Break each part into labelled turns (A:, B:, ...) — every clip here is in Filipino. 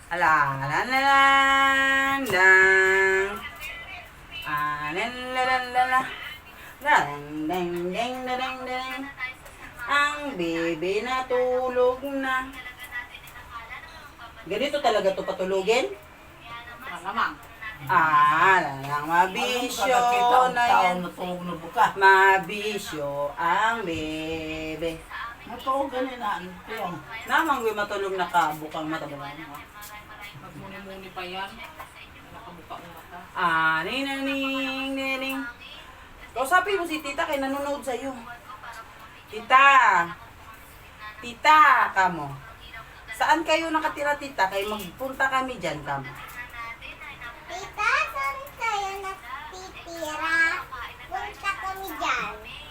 A: Ala, la la la lang. La la la la la. Dang dang dang dang dang. Ang bebe natulog na. Ganito talaga to patulugin?
B: Malamang.
A: Lang mabisyo na yan.
C: Natulog na buka.
A: Mabisyo ang bebe.
C: Natulog ganin na. Yung.
A: Namang gue matulog na ka, bukang mata ba?
B: Magmuni-muni pa yan. Nakabuka ang mata.
A: Nining, nining. Kausapin mo si tita kay nanonood sa'yo. Tita. Tita, kamo. Saan kayo nakatira, tita? Kay magpunta kami dyan, kamo.
D: Tita, saan tayo natitira? Punta kami dyan.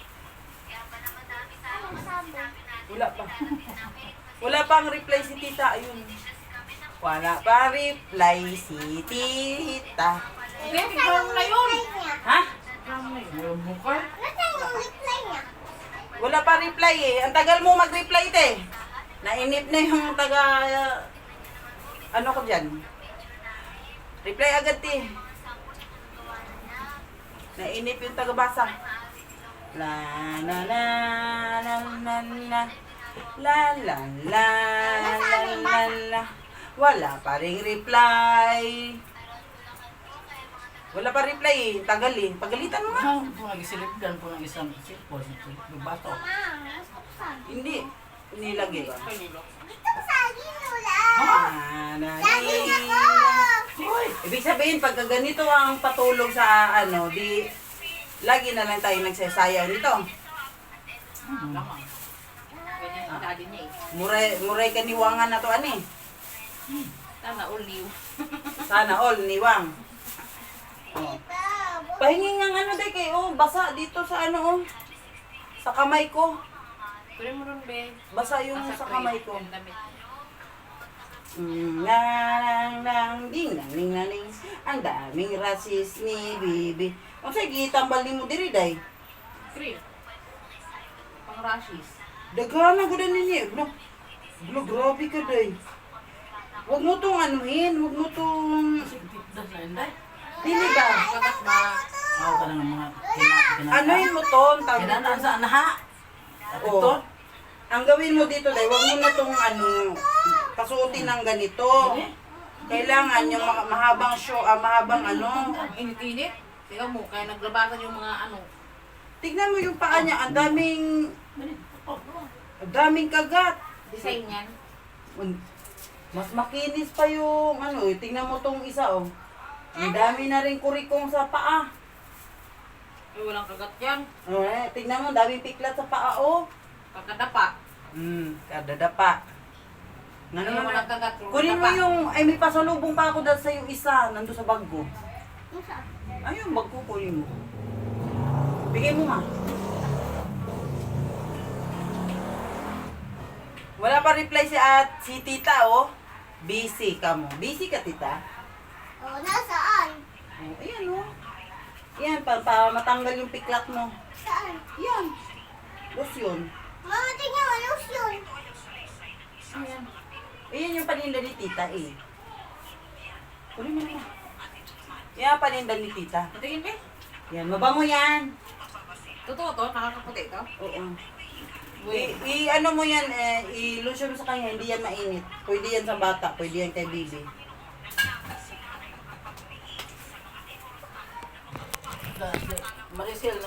D: Ano sabi?
A: Wala pa. Wala pang reply si tita. Ayun. Wala pa reply si tita.
B: Hindi, tignan mo na yun.
A: Ha?
C: Yung buka.
D: Nasaan yung reply niya?
A: Wala pa reply eh. Ang tagal mo mag-reply, te. Nainip na yung taga... ano ko dyan? Reply agad, te. Nainip yung taga-basa. La la la la la la la la la la la. Wala pa ring reply. Wala pa reply eh. Tagal eh. Pagalitan mo nga.
C: Kung nagisilipdan po ng isang sipol, yung bato.
D: Ma, gusto ko sa
A: Hindi. Nilagay ba?
B: Kanilo.
D: Gusto ko sa lula.
A: Saging
D: ako!
C: Uy!
A: Ibig sabihin, pagka ganito ang patulog sa ano, di lagi na lang tayo nagsasayang nito.
B: Malamang. Ganyan ang daddy niya eh.
A: Muray kaniwangan na to, ani.
B: Sana all new.
A: Sana all, niwang. Oh.
D: Tita,
A: Pahingi nga ano, day, kay, basa dito sa ano, sa kamay ko.
B: Pwede mo rin, be.
A: Basa yung
B: Nasa
A: sa kamay ko.
B: yung damit.
A: Nang ding nang ning nang ning. Ang daming rasis ni Bibi. Ang sige, tambal ni mo diri, day.
B: Cream. Pang rashes.
A: Dagana ko din ninyo. Grabe ka, day. Huwag mo tong anuhin, huwag mo tong...
C: Sigtipdas na inday.
A: Dili ba?
B: Kagat na.
C: Ako ka ng mga
A: Anuhin mo to, tawag
C: kinanaan sa anaha. At
A: Oo.
C: ito.
A: Ang gawin mo dito, day, huwag mo na tong pasuotin ng ganito. Kailangan yung mahabang mahabang ano.
B: Ang init-init. Tingnan mo, kaya naglabasan yung mga ano.
A: Tignan mo yung paa niya, ang daming kagat.
B: Design yan.
A: Mas makinis pa yung ano, tingnan mo tong isa, oh. Ang dami na rin kurikong sa paa.
B: Ay, walang kagat yan.
A: Tingnan mo, daming piklat sa paa, oh.
B: Pagkadapa.
A: Kadadapa.
B: Ano yung walang kagat?
A: Kunin mo yung, may pasalubong pa ako dahil sa yung isa, nando sa bag ko.
D: Ano sa?
A: Ayun, bag ko, kunin mo. Bigay mo, ma. Wala pa reply si tita, oh. Busy ka mo. Busy ka, tita?
D: Oh, nasaan?
A: Oh, ayan, oh. Yan, para matanggal yung piklat mo.
D: Saan?
A: Yan. Lotion.
D: Mama, tingnan, ano yun?
A: Ayan. Ayan yung paninda ni tita, eh. Kunin mo na. Yan, paninda ni tita.
B: Patingin, be.
A: Yan, mabango yan.
B: Totoo to? Nakakaputi to?
A: Oo. Ano mo yan, i-lotion mo sa kanya, hindi yan mainit. Pwede yan sa bata, pwede yan kay baby.
C: Maricel,